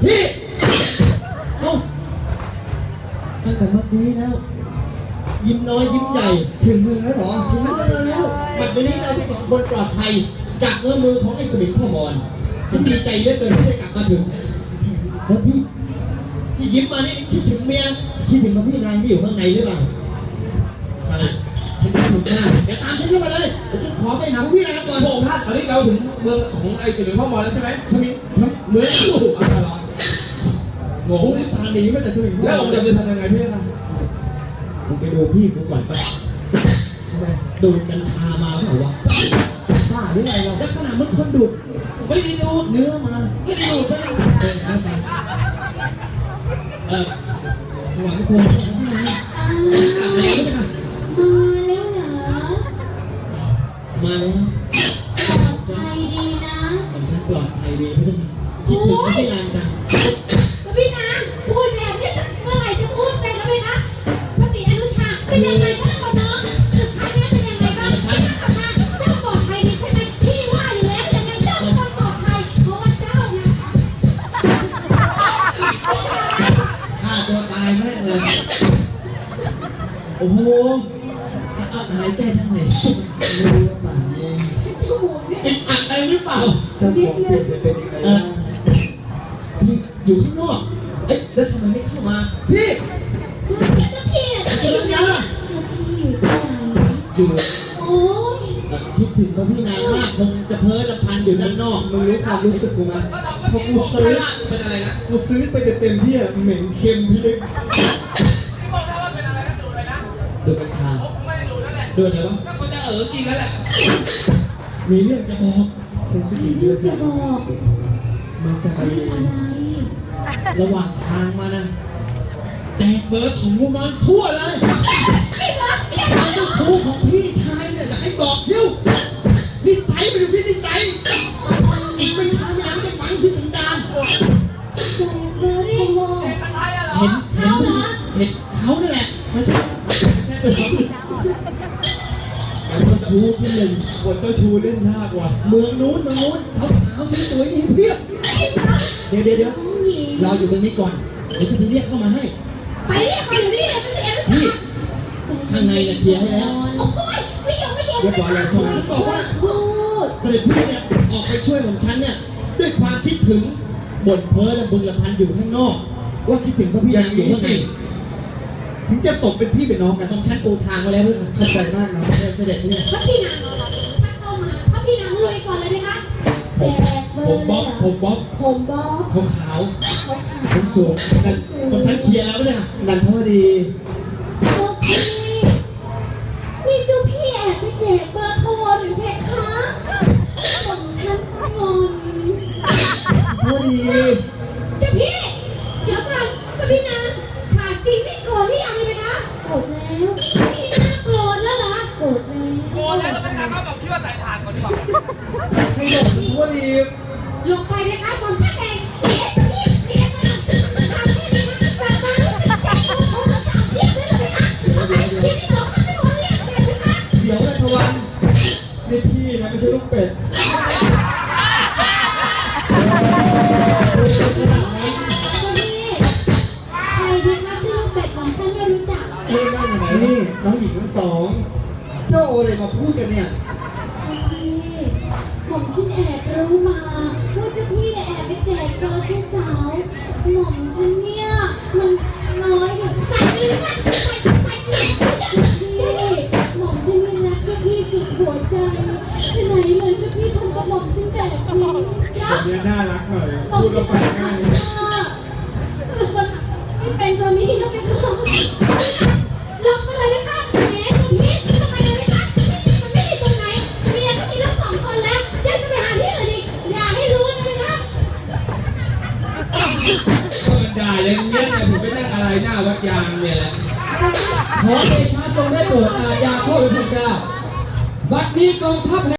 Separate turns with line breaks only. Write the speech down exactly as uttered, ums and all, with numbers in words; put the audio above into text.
พี่เอ้าตั้งแต่เมื่อกี้แล้วยิ้มน้อยยิ้มใหญ่ถึงเมืองแล้วเหรอถึงเมืองแล้วบัดนี้เราทั้งสองคนปลอดภัยจากเงื้อมือของไอ้สมิงพ่อมอนฉันดีใจเหลือเกินที่ได้กลับมาถึงแล้วพี่ที่ยิ้มมานี่คิดถึงเมียคิดถึงมาพี่นางที่อยู่ข้างในหรือเปล่าสลัดฉันคิดถึงมากเดี๋ยวตามฉันขึ้นมาเลยเดี๋ยวฉันขอไปหาพี่นางก่อน
พระองค์ท่านตอนนี้เราถึงเมืองของไอ้สิริพ่อมอแล้วใช่ไหม
สมิงเหมือนลูก
อะไรหรอโง่
ผมสาหนีมาจากสมิงพ่อ
แล้วองค์จะทำยังไงพี่ล่ะ
ผมไปดูพี่กูก่อนไปดูดกัญชามาเปล่าวะบ้าหรือไงเราลักษณะมันคนดูด
ไม่ได้ดูด
เนื้อมา
ไม่ได้ดูดไม่ได้
เออครับเออถวายพระพรพี่นายกลับมาแล้วไหมคะ
มาแล้วเหรอ
มาแล้ว
ปลอดภัยดีนะ
ผมฉันปลอดภัยดีพี่ค่ะคิดถึงพี่นางจัง
แล้วพี่นางพูดแบบนี้จะเมื่อไหร่จะพูดเป็นแล้วไหมคะพระติอนุชาเป็นยังไงบ้างคะน้องสุดท้ายนี้เป็นยังไงบ้างพี่นางกลับมาเจ้าปลอดภัยดีใช่ไหมพี่ว่าอยู่แล้วยังไงเจ้าเป็นคนปลอดภัยเพราะว่าเจ้านะ
ฆ่าตัวตายแม่เลยโอ้โหหายใจทางไหนไม่รู้ว่าป่านนี้
จมูกเนี่ย
เป็นอัดอะไรหรือเปล่า
เจ้าของเป็น
เป็นยังไงเออพี่อยู่ข้างนอกเอ๊ะแล้วทำไมไม่เข้ามาพี่
เจ้าพี่น่ะเจ้าพี่อยู่ไหนเจ้าพี่อยู่ที่ไหน
อยู่
โอ้ย
คิดถึงพระพี่นางมากคงจะเพ้อละพันอยู่ด้านนอกมึงรู้ความรู้สึกกูไหมพอกูซื้อ
เป็นอะไรนะ
กูซื้อไปเต็มๆที่เหม็นเค็มพี่ลึก
บอกได้ว่าเป็นอะไรนะดูอะไรนะ
ดูกัญชา
ไม่ได้ดูนั่นแหละ
ดูอะไรวะ
ก็เขาจะเออจริงนั่นแหละ
มีเรื่องจะบอกเซนซิ
มี
ทีฟ
เรื่องจะบอก
มันจะไป
เรื่องอะไร
ระหว่างทางมานะแจกเบอร์ถูมาทั่วเลย
พี่รัก
ไอ้ความเจ้าชู้ของพี่ชายเนี่ยอยากให้บอกชิวนิสัยมันอยู่ที่นิสัยอีกไม่ช้าไม่นานมันจะฝังที่สันดาน
แจกเบอร์รี่โม
เห็นเห็นเห็นเขาเนี่ยแหละไม่ใช่ไม่ใช่ตัวเขาแล้วเจ้าชู้ที่หนึ่งบทเจ้าชู้เล่นยากว่ะเมืองนู้นเมืองนู้นสาวๆสวยๆนี่เพียบเดี๋ยวเดี๋ยวเดี๋ยว
น้องหญิง
เราอยู่ตรงนี้ก่อนเดี๋ยวจะไปเรียกเข้ามาให้
ไปเรียกมาอยู่นี่เลยไม่ใช่เอ็ม
นี่ข้างในเนี่ยเคลียร์ให้แล้ว
โอ้ยไม่ยอมไม่ยอม
เรียบร้อยแล้วสองฉันบอกว่า
พูด
เสด็จพี่เนี่ยออกไปช่วยของฉันเนี่ยด้วยความคิดถึงบ่นเพ้อและบึงละพันอยู่ข้างนอก ว่าคิดถึงพระพี่นางอยู่ข้างในถึงจะสมเป็นพี่เป็นน้องกันต้องฉันปูทางมาแล้วด้วยค่ะเข้าใจมากนะเสด็จพี่
พระพี่นางถ้าเข้ามาพระพี่นางรวยก่อนเลยไหมคะแจกเบอ
ผม
ร์
บ๊อบผมบ๊อบ
ผมบ๊อบ
ขาวขาว
เขาขาย
ผมสูงนั่นต้องฉันเคลียร์แล้วเนี่ยนันทวดี
เจ้าพี่นี่เจ้าพี่แอบไปแจกเบอร์โทรหรือเพคะของฉันงอน
ทวดี
เจ้าพี่เดี๋ยวก่อนพระพี่นางถามจริงนี่โกรธหรือยังเลยนะโกรธแล้วพี่นางโกรธแล้วเหรอโกรธแล้ว
โง่แล้วเราไปถามเขาบอกคิดว่าใส่ถ่านก่อนดีกว่า
ใครบอกทวดี
ลงไปไหมคะผมชักเองเดี๋ยวเจ้าพี่เดี๋ยวมาทำที่นี่นะกลับมาแล้วจะแจกโทรโทรศัพท์เรียกได้เลยนะที่นี่เราไม่รู้เรียกเลยนะคะ
เดี๋ยวนะทวันนี่พี่นะไม่ใช่ลูกเป็ด
เจ้าพี่ใครดีคะชื่อลูกเป็ดของฉันไม่รู้จัก
เอ้ยนั่งอยู่ไหนนี่น้องหญิงทั้งสอง เจ้าอะไรมาพูดกันเนี่ย
เจ้าพี่ผมฉันแอบรู้มาว่าเจ้าพี่แอบไปแจกเบอร์สาวๆหม่อมฉันเนี่ยมันน้อยอยู่ใส่ไปเลยค่ะใส่ใส่เลยพี่หม่อมฉันยังรักเจ้าพี่สุดหัวใจฉะไหนเลยเจ้าพี่ทำกับหม่อมฉันแบบนี้นะ
คนนี้น่ารักหน่อย พูดแล้วฟังง่าย
ไม่เป็นตัวนี้แล้วไม่เข้าลองมาเลยไหมคะแหมตัวนี้ทำไมเลยไหมคะมันไม่ดีตรงไหนเมียก็มีลูกสองคนแล้วยังจะไปหาที่อื่นอีกอย่าให้รู้นะไหมคะ
ก็มันด่าอย่างเงี้ยแต่ผมไปนั่งอะไรหน้าวัดยางเนี่ยแหละ
ขอเดชะทรงได้โปรดอาญาข้อพิพาทบัดนี้กองทัพ